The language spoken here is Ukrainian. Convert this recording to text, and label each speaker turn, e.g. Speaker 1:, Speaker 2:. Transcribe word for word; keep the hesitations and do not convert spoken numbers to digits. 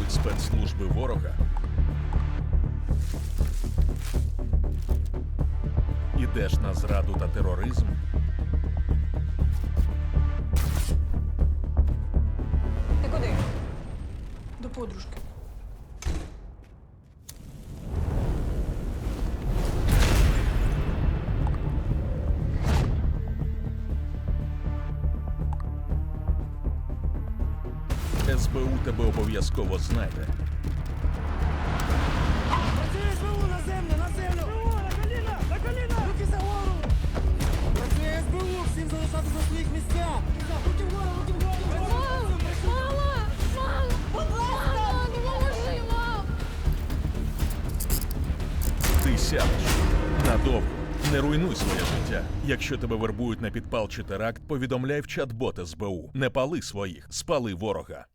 Speaker 1: використовують спецслужби ворога, ідеш на зраду та тероризм,
Speaker 2: Ти куди? До подружки.
Speaker 1: ес бе у тебе обов'язково знайде.
Speaker 3: Працює СБУ на землю, на землю! СБУ, на коліна, на коліна! Руки за гору! Працює СБУ, всім залишатися на своїх місцях! Руки вгору, руки вгору!
Speaker 4: Мам! Мама! Мам! Мама, допоможи, мам!
Speaker 1: Ти сядеш надовго. Не руйнуй своє життя. Якщо тебе вербують на підпал чи теракт, повідомляй в чат-бот ес бе у. Не пали своїх, спали ворога.